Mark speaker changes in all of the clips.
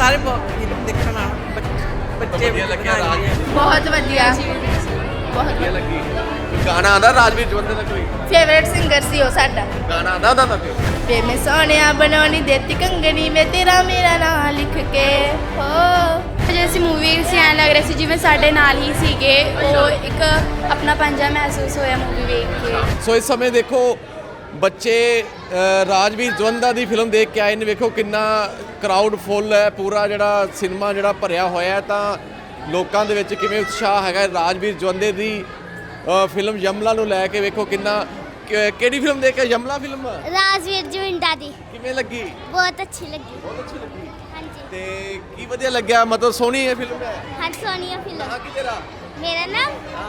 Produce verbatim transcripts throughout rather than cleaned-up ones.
Speaker 1: ਸਾਰੇ ਫਿਲਮ ਦੇਖਣ ਆ ਬੱਚੇ
Speaker 2: ਵਧੀਆ ਲੱਗਿਆ ਰਾਜਵੀਰ
Speaker 3: ਬਹੁਤ ਵਧੀਆ ਬਹੁਤ
Speaker 2: ਵਧੀਆ ਲੱਗੀ ਗਾਣਾ ਆਂਦਾ ਰਾਜਵੀਰ ਜਵੰਦੇ ਦਾ ਕੋਈ
Speaker 3: ਫੇਵਰੇਟ ਸਿੰਗਰ ਸੀ ਉਹ ਸਾਡਾ
Speaker 2: ਗਾਣਾ ਆਂਦਾ ਉਹਦਾ ਤਾਂ ਕੋਈ
Speaker 3: ਵੇ ਮੈਂ ਸੋਹਣਿਆ ਬਣਾਉਣੀ ਦੇਤੀ ਕੰਗਣੀ ਵੇ ਤੇਰਾ ਮੇਰਾ ਨਾਂ ਲਿਖ ਕੇ ਹੋ
Speaker 4: ਜੇ ਅਸੀਂ ਮੂਵੀ ਸੀ ਐਂ ਲੱਗ ਰਿਹਾ ਸੀ ਜਿਵੇਂ ਸਾਡੇ ਨਾਲ ਹੀ ਸੀਗੇ ਉਹ ਇੱਕ ਆਪਣਾ ਪੰਜਾ ਮਹਿਸੂਸ ਹੋਇਆ ਮੂਵੀ ਵੇਖ ਕੇ
Speaker 2: ਸੋ ਇਸ ਸਮੇਂ ਦੇਖੋ ਬੱਚੇ ਅ, ਰਾਜਵੀਰ ਜਵੰਦਾ ਦੀ ਫਿਲਮ ਦੇਖ ਕੇ ਆਏ ਨੇ ਵੇਖੋ ਕਿੰਨਾ ਕਰਾਊਡ ਫੁੱਲ ਹੈ ਪੂਰਾ ਜਿਹੜਾ ਸਿਨੇਮਾ ਜਿਹੜਾ ਭਰਿਆ ਹੋਇਆ ਹੈ ਤਾਂ ਲੋਕਾਂ ਦੇ ਵਿੱਚ ਕਿਵੇਂ ਉਤਸ਼ਾਹ ਹੈਗਾ ਰਾਜਵੀਰ ਜਵੰਦੇ ਦੀ ਅ, ਫਿਲਮ ਯਮਲਾ ਨੂੰ ਲੈ ਕੇ ਵੇਖੋ ਕਿੰਨਾ ਕਿ- ਕਿਹੜੀ ਫਿਲਮ ਦੇਖ ਕੇ ਯਮਲਾ ਫਿਲਮ
Speaker 5: ਰਾਜਵੀਰ ਜਵੰਦਾ ਦੀ
Speaker 2: ਕਿਵੇਂ ਲੱਗੀ
Speaker 5: ਬਹੁਤ ਅੱਛੀ ਲੱਗੀ
Speaker 2: ਬਹੁਤ ਅੱਛੀ ਲੱਗੀ
Speaker 5: ਹਾਂਜੀ
Speaker 2: ਤੇ ਕੀ ਵਧੀਆ ਲੱਗਿਆ ਮਤਲਬ ਸੋਹਣੀ ਹੈ ਫਿਲਮ ਹੈ
Speaker 5: ਹਾਂ ਸੋਨੀਆ ਫਿਲਮ
Speaker 2: ਹਾਂ ਕੀ ਤੇਰਾ
Speaker 5: ਮੇਰਾ ਨਾਮ
Speaker 2: ਹਾਂ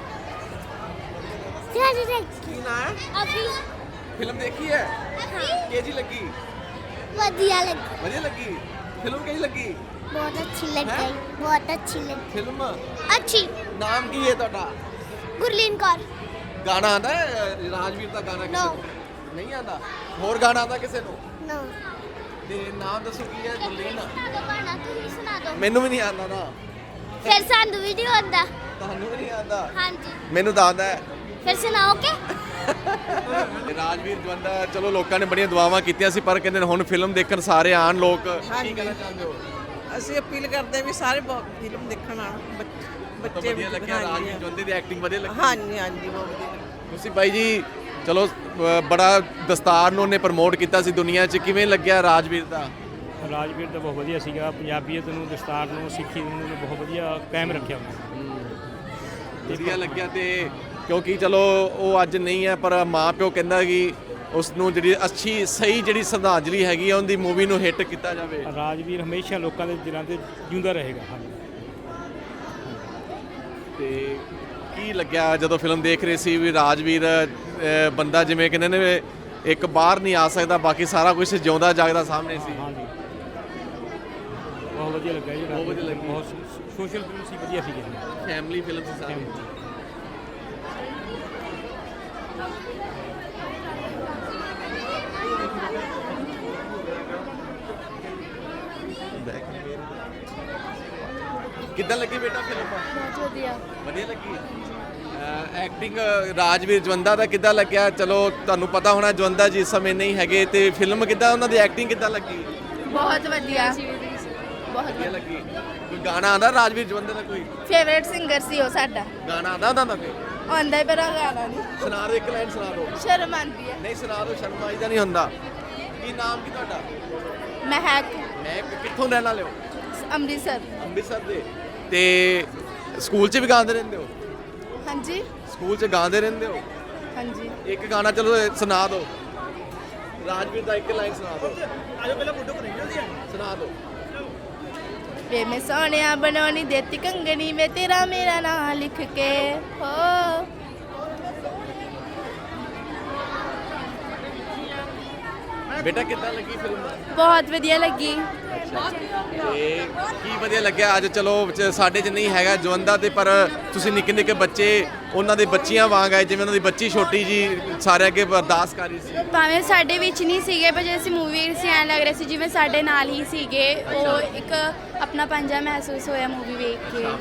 Speaker 5: ਰਾਜੂ ਦੇ
Speaker 2: ਕੀ ਨਾਂ ਹੈ
Speaker 5: ਅਭੀ
Speaker 2: ਫਿਲਮ ਦੇਖੀ ਹੈ ਕਿਹਦੀ ਲੱਗੀ
Speaker 5: ਵਧੀਆ ਲੱਗੀ
Speaker 2: ਵਧੀਆ ਲੱਗੀ ਫਿਲਮ ਕਿਹਦੀ ਲੱਗੀ
Speaker 5: ਬਹੁਤ ਅੱਛੀ ਲੱਗੀ ਬਹੁਤ ਅੱਛੀ ਲੱਗੀ
Speaker 2: ਫਿਲਮ
Speaker 5: ਅੱਛੀ
Speaker 2: ਨਾਮ ਕੀ ਹੈ ਤੁਹਾਡਾ
Speaker 5: ਗੁਰਲੀਨ ਕੌਰ
Speaker 2: ਗਾਣਾ ਆਂਦਾ ਰਾਜਵੀਰ ਦਾ ਗਾਣਾ ਕਿਸੇ
Speaker 5: No.
Speaker 2: ਨੂੰ ਨਹੀਂ ਆਂਦਾ ਹੋਰ ਗਾਣਾ ਆਂਦਾ ਕਿਸੇ ਨੂੰ
Speaker 5: ਨੋ
Speaker 2: ਤੇ ਨਾਮ ਦੱਸੋ ਕੀ ਹੈ ਗੁਰਲੀਨ
Speaker 5: ਸੁਣਾ ਦੋ ਗਾਣਾ ਤੁਸੀਂ ਸੁਣਾ ਦੋ
Speaker 2: ਮੈਨੂੰ ਵੀ ਨਹੀਂ ਆਂਦਾ ਨਾ
Speaker 5: ਫਿਰ ਸਾਨੂੰ ਵੀ ਨਹੀਂ ਆਉਂਦਾ
Speaker 2: ਤੁਹਾਨੂੰ ਵੀ ਨਹੀਂ ਆਂਦਾ
Speaker 5: ਹਾਂਜੀ
Speaker 2: ਮੈਨੂੰ ਤਾਂ ਆਂਦਾ ਹੈ
Speaker 5: ਫਿਰ ਸੁਣਾਓਗੇ
Speaker 2: ਤੇ ਰਾਜਵੀਰ ਜਵੰਦਾ ਚਲੋ ਲੋਕਾਂ ਨੇ ਬੜੀਆਂ ਦੁਆਵਾਂ ਕੀਤੀਆਂ ਸੀ ਪਰ ਕਹਿੰਦੇ ਨੇ ਹੁਣ ਫਿਲਮ ਦੇਖਣ ਸਾਰੇ ਆਣ ਲੋਕ ਕੀ
Speaker 1: ਹਾਂਜੀ।
Speaker 2: ਕਹਿਣਾ ਚਾਹੁੰਦੇ ਹੋ
Speaker 1: ਅਸੀਂ ਅਪੀਲ ਕਰਦੇ ਵੀ ਸਾਰੇ ਫਿਲਮ ਦੇਖਣ ਆ ਬੱਚੇ ਵੀ
Speaker 2: ਵਧੀਆ ਲੱਗਿਆ ਰਾਜਵੀਰ ਜਵੰਦੇ ਦੀ ਐਕਟਿੰਗ ਵਧੀਆ ਲੱਗੀ
Speaker 1: ਹਾਂਜੀ ਹਾਂਜੀ ਬਹੁਤ ਵਧੀਆ ਲੱਗੀ।
Speaker 2: ਤੁਸੀਂ ਬਾਈ ਜੀ ਚਲੋ ਅ, ਬੜਾ ਦਸਤਾਰ ਨੂੰ ਉਹਨੇ ਪ੍ਰਮੋਟ ਕੀਤਾ ਸੀ ਦੁਨੀਆ 'ਚ ਕਿਵੇਂ ਲੱਗਿਆ ਰਾਜਵੀਰ ਦਾ
Speaker 6: ਰਾਜਵੀਰ ਤਾਂ ਬਹੁਤ ਵਧੀਆ ਸੀਗਾ ਪੰਜਾਬੀਅਤ ਨੂੰ ਦਸਤਾਰ ਨੂੰ ਸਿੱਖੀ ਨੂੰ ਉਹਨੇ ਬਹੁਤ ਵਧੀਆ ਕਾਇਮ ਰੱਖਿਆ ਉਹਨੇ
Speaker 2: ਵਧੀਆ ਲੱਗਿਆ ਤੇ ਕਿਉਂਕਿ ਚਲੋ ਉਹ ਅੱਜ ਨਹੀਂ ਹੈ ਪਰ ਮਾਂ ਪਿਓ ਕਹਿੰਦਾ ਕਿ ਉਸ ਨੂੰ ਜਿਹੜੀ ਅੱਛੀ ਸਹੀ ਜਿਹੜੀ ਸ਼ਰਧਾਂਜਲੀ ਹੈਗੀ ਆ ਉਹਦੀ ਮੂਵੀ ਨੂੰ ਹਿੱਟ ਕੀਤਾ ਜਾਵੇ
Speaker 6: ਰਾਜਵੀਰ ਹਮੇਸ਼ਾ ਲੋਕਾਂ ਦੇ ਦਿਲਾਂ ਤੇ ਜਿਉਂਦਾ ਰਹੇਗਾ ਹਾਂਜੀ
Speaker 2: ਤੇ ਕੀ ਲੱਗਿਆ ਜਦੋਂ ਫਿਲਮ ਦੇਖ ਰਹੇ ਸੀ ਵੀ ਰਾਜਵੀਰ ਅ, ਬੰਦਾ ਜਿਵੇਂ ਕਹਿੰਦੇ ਨੇ ਇੱਕ ਬਾਹਰ ਨਹੀਂ ਆ ਸਕਦਾ ਬਾਕੀ ਸਾਰਾ ਕੁਝ ਜਿਉਂਦਾ ਜਾਗਦਾ ਸਾਹਮਣੇ ਸੀ
Speaker 6: ਹਾਂਜੀ ਬਹੁਤ ਵਧੀਆ ਲੱਗਾ ਜੀ
Speaker 2: ਬਹੁਤ ਵਧੀਆ ਲੱਗੀ।
Speaker 6: ਬਹੁਤ ਸੋਸ਼ਲ ਫਿਲਮ ਸੀ ਵਧੀਆ ਸੀ
Speaker 2: ਫੈਮਿਲੀ ਫਿਲਮ ਸੀ ਸਾਰੀ ਕਿੱਦਾਂ ਲੱਗੀ ਬੇਟਾ ਫਿਲਮ
Speaker 4: ਬਹੁਤ ਵਧੀਆ
Speaker 2: ਵਧੀਆ ਲੱਗੀ ਐਕਟਿੰਗ ਰਾਜਵੀਰ ਜਵੰਦਾ ਦਾ ਕਿੱਦਾਂ ਲੱਗਿਆ ਚਲੋ ਤੁਹਾਨੂੰ ਪਤਾ ਹੋਣਾ ਜਵੰਦਾ ਜੀ ਇਸ ਸਮੇਂ ਨਹੀਂ ਹੈਗੇ ਤੇ ਫਿਲਮ ਕਿੱਦਾਂ ਉਹਨਾਂ ਦੀ ਐਕਟਿੰਗ ਕਿੱਦਾਂ ਲੱਗੀ
Speaker 3: ਬਹੁਤ ਵਧੀਆ ਬਹੁਤ
Speaker 2: ਵਧੀਆ
Speaker 3: ਵਧੀਆ
Speaker 2: ਲੱਗੀ ਕੋਈ ਗਾਣਾ ਆਂਦਾ ਰਾਜਵੀਰ ਜਵੰਦਾ ਦਾ ਕੋਈ
Speaker 3: ਫੇਵਰੇਟ ਸਿੰਗਰ ਸੀ ਉਹ ਸਾਡਾ
Speaker 2: ਗਾਣਾ ਆਂਦਾ ਉਹਦਾ ਦਾ ਕੋਈ
Speaker 3: ਆਉਂਦਾ ਹੀ ਪਰ ਉਹ ਗਾਣਾ ਨਹੀਂ
Speaker 2: ਸੁਣਾ ਦਿਓ ਇੱਕ ਲਾਈਨ ਸੁਣਾ ਦਿਓ
Speaker 3: ਸ਼ਰਮ ਆਉਂਦੀ ਹੈ
Speaker 2: ਨਹੀਂ ਸੁਣਾ ਦਿਓ ਸ਼ਰਮ ਆਈਦਾ ਨਹੀਂ ਹੁੰਦਾ ਕੀ ਨਾਮ ਕੀ ਤੁਹਾਡਾ
Speaker 3: ਮਹਿਕ
Speaker 2: ਮੈਂ ਕਿੱਥੋਂ ਰਹਿਣ ਵਾਲੇ ਹੋ
Speaker 3: ਅੰਮ੍ਰਿਤਸਰ
Speaker 2: ਅੰਮ੍ਰਿਤਸਰ ਦੇ ਤੇ ਸਕੂਲ 'ਚ ਵੀ ਗਾਉਂਦੇ ਰਹਿੰਦੇ ਹੋ
Speaker 3: ਹਾਂਜੀ
Speaker 2: ਸਕੂਲ 'ਚ ਗਾਉਂਦੇ ਰਹਿੰਦੇ ਹੋ
Speaker 3: ਹਾਂਜੀ
Speaker 2: ਇੱਕ ਗਾਣਾ ਚਲੋ ਇਹ ਸੁਣਾ ਦਿਓ ਰਾਜਵੀਰ ਦਾ ਇੱਕ ਲਾਈਨ ਸੁਣਾ ਦਿਓ ਆਜੋ ਪਹਿਲਾਂ ਫੋਟੋ ਕਰਾਈਏ ਸੁਣਾ ਦਿਓ
Speaker 3: ਵੇ ਮੈਂ ਸੋਹਣਿਆ ਬਣਾਉਣੀ ਦੇਤੀ ਕੰਗਣੀ ਵੇ ਤੇਰਾ ਮੇਰਾ ਨਾਂ ਲਿਖ ਕੇ ਹੋ
Speaker 2: ਬੇਟਾ ਕਿੱਦਾਂ ਲੱਗੀ ਫਿਲਮ
Speaker 4: ਬਹੁਤ ਵਧੀਆ ਲੱਗੀ
Speaker 2: ਤੇ ਕੀ ਵਧੀਆ ਲੱਗਿਆ ਅੱਜ ਚਲੋ ਚ- ਸਾਡੇ 'ਚ ਨਹੀਂ ਹੈਗਾ ਜਵੰਦਾ ਤੇ ਪਰ ਤੁਸੀਂ ਨਿੱਕੇ ਨਿੱਕੇ ਬੱਚੇ ਉਹਨਾਂ ਦੇ ਬੱਚੀਆਂ ਵਾਂਗ ਆਏ ਜਿਵੇਂ ਉਹਨਾਂ ਦੀ ਬੱਚੀ ਛੋਟੀ ਜੀ ਸਾਰੇ ਅੱਗੇ ਅਰਦਾਸ ਕਰ ਰਹੀ ਸੀ
Speaker 4: ਭਾਵੇਂ ਸਾਡੇ ਵਿੱਚ ਨਹੀਂ ਸੀਗੇ ਪਰ ਜੇ ਅਸੀਂ ਮੂਵੀ ਸੀ ਐਂ ਲੱਗ ਰਿਹਾ ਸੀ ਜਿਵੇਂ ਸਾਡੇ ਨਾਲ ਹੀ ਸੀਗੇ ਉਹ ਇੱਕ ਆਪਣਾ ਪੰਜਾ ਮਹਿਸੂਸ ਹੋਇਆ ਮੂਵੀ ਵੇਖ ਕੇ